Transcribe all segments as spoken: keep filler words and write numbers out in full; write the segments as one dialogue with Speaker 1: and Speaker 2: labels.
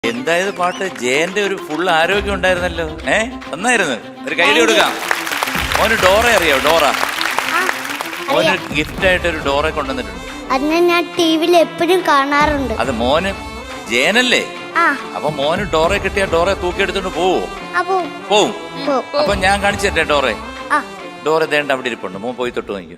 Speaker 1: എന്തായത് പാട്ട്? ജയന്റെ ഒരു ഫുൾ ആരോഗ്യം ഉണ്ടായിരുന്നല്ലോ. ഏ ഒന്നായിരുന്നു. ഒരു കൈഡി കൊടുക്കാം. മോന് ഡോറ അറിയോ? ഡോറ മോന് ഗിഫ്റ്റ് ആയിട്ട് ഒരു ഡോറ കൊണ്ടുവന്നിട്ടുണ്ട്.
Speaker 2: അതിനെ ഞാൻ ടിവിയിൽ എപ്പോഴും കാണാറുണ്ട്.
Speaker 1: അത് മോന് ജയനല്ലേ? അപ്പൊ മോന് ഡോറെ കിട്ടിയ ഡോറെ തൂക്കിയെടുത്തോണ്ട് പോവോ? പോവും. അപ്പൊ ഞാൻ കാണിച്ചു തരട്ടെ ഡോറെ. ഡോറെ ദേണ്ട അവിടെ ഇരിപ്പുണ്ട്. മോൻ പോയി തൊട്ട് നോക്കിയോ.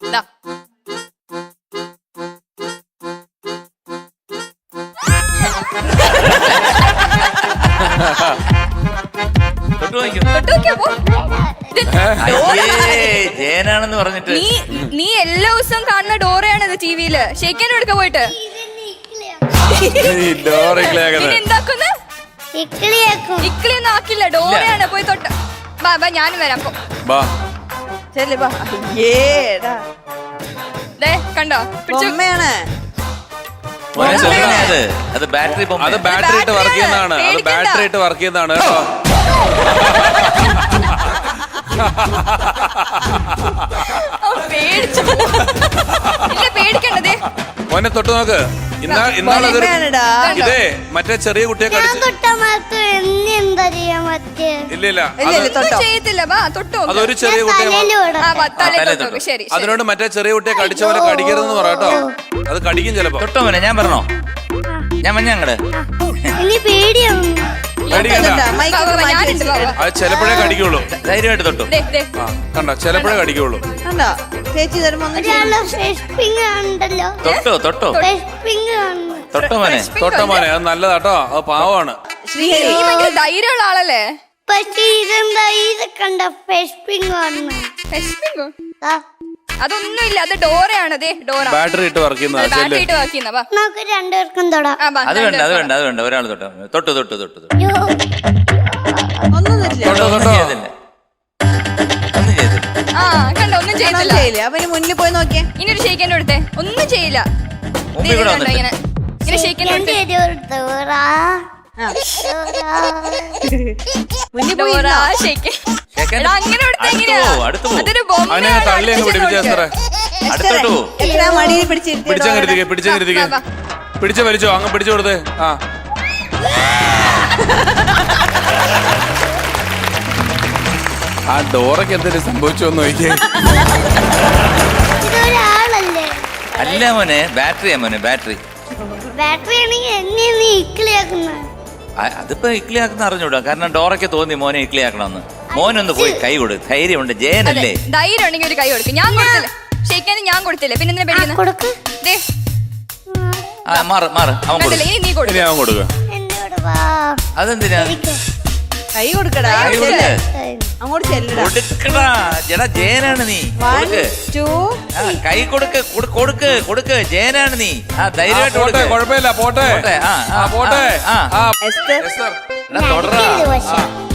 Speaker 1: ജയനാണെന്ന് പറഞ്ഞിട്ട്
Speaker 3: നീ എല്ലാ ദിവസവും കാണുന്ന ഡോറയാണത് ടിവിയില്. ഷെയ്ക്കാൻ എടുക്ക പോയിട്ട് ഇക്ലിയൊന്നും ആക്കില്ല. ഡോറയാണ്. പോയി തൊട്ട് ബാ ബാ ഞാനും വരാം. കണ്ടോ പിടിച്ചമ്മയാണ്.
Speaker 1: അത് ബാറ്ററി
Speaker 4: അത് ബാറ്ററി ഇട്ട് വർക്ക് ചെയ്യുന്നതാണ്. അത് ബാറ്ററി ഇട്ട് വർക്ക് ചെയ്യുന്നതാണ് കേട്ടോ.
Speaker 3: പേടിക്കണ്ടേ
Speaker 4: മോനെ തൊട്ട് നോക്ക്. ഇന്നാളതൊരു ഇതേ മറ്റേ ചെറിയ കുട്ടിയെ ഇല്ലില്ല അതൊരു ചെറിയ കുട്ടിയെ അതിനോട് മറ്റേ ചെറിയ കുട്ടിയെ കടിച്ച പോലെ കടിക്കരുതെന്ന് പറയാട്ടോ. അത് കടിക്കും ചിലപ്പോ.
Speaker 1: തൊട്ടോ മോനെ. ഞാൻ പറഞ്ഞോ? ഞാൻ മഞ്ഞ അങ്ങട്
Speaker 4: അത് ചിലപ്പോഴേ കടിക്കുള്ളൂ.
Speaker 1: ധൈര്യമായിട്ട് തൊട്ടു.
Speaker 4: കണ്ടോ? ചിലപ്പോഴേ കടിക്കുള്ളൂ.
Speaker 1: തൊട്ടോ തൊട്ടോ തൊട്ടോ മോനെ.
Speaker 4: തൊട്ടോ മോനെ. അത് നല്ലതാട്ടോ. അത് പാവമാണ്.
Speaker 3: ധൈര്യമുള്ള ആളല്ലേ?
Speaker 2: പക്ഷേ ഇതെന്താ ഇത് കണ്ട ഫെഷ്പിംഗ്
Speaker 3: അതൊന്നുമില്ല. അത് ഡോറയാണ്.
Speaker 4: ബാറ്ററി ഇട്ട് വർക്ക്
Speaker 3: ബാറ്ററി ഇട്ട് വർക്ക് ചെയ്യുന്ന.
Speaker 2: നമുക്ക് രണ്ടുപേർക്കും തൊടാം.
Speaker 1: അത് വേണ്ട അത് വേണ്ട അത് വേണ്ട. ഒരാൾ തൊട്ടോ. തൊട്ടു തൊട്ടു തൊട്ടു തൊട്ടു
Speaker 4: ഒന്നും ചെയ്തില്ല.
Speaker 3: ആ കണ്ടോ? ഒന്നും ചെയ്തില്ല. അവന് മുന്നിൽ പോയി നോക്കിയേ. ഇനി ഒരു ഷെയ്ക്കാൻ കൊടുത്തേ. ഒന്നും ചെയ്യില്ല. ഇങ്ങനെ ഇങ്ങനെ ഷെയ്ക്കാൻ
Speaker 2: അങ്ങനെ
Speaker 4: പിടിച്ച വലിച്ചോ. അങ്ങ് പിടിച്ചു കൊടുത്തേ. ആ ആ ഡോറയ്ക്ക് എന്തെങ്കിലും സംഭവിച്ചോന്ന് നോക്കിയേ.
Speaker 1: അല്ല മോനെ, ബാറ്ററിയാ മോനെ. ബാറ്ററി
Speaker 2: ബാറ്ററി
Speaker 1: അതിപ്പോ ഇക്ലിയാക്കുന്ന അറിഞ്ഞൂടാ. കാരണം ഡോറയ്ക്ക് തോന്നി മോനെ ഇക്ലിയാക്കണമെന്ന്. മോനൊന്ന് പോയി കൈ കൊടു. ധൈര്യമുണ്ട്. ജയനല്ലേ?
Speaker 3: ധൈര്യം ഉണ്ടെങ്കിൽ ഒരു കൈ കൊടുക്കും. ഞാൻ കൊടുത്തില്ല. ഷെയ്ക്കാൻ ഞാൻ കൊടുത്തില്ല. പിന്നെ എന്തിനാ പേടിക്കുന്നത്?
Speaker 1: മാറ് മാറ്. അവൻ
Speaker 4: കൊടുക്കുക.
Speaker 1: അതെന്തിനാ
Speaker 3: കൈ കൊടുക്കടാ?
Speaker 1: കൊടുക്കടാ. ജടാ ജയനാണ് നീ. കൈ കൊടുക്ക് കൊടുക്ക് കൊടുക്ക്. ജയനാണ് നീ. ആ ധൈര്യമായിട്ട്
Speaker 4: പോട്ടെ. കുഴപ്പമില്ല. പോട്ടെ.
Speaker 1: ആ പോട്ടെ.
Speaker 4: പോട്ടെ.
Speaker 1: തൊടറാ.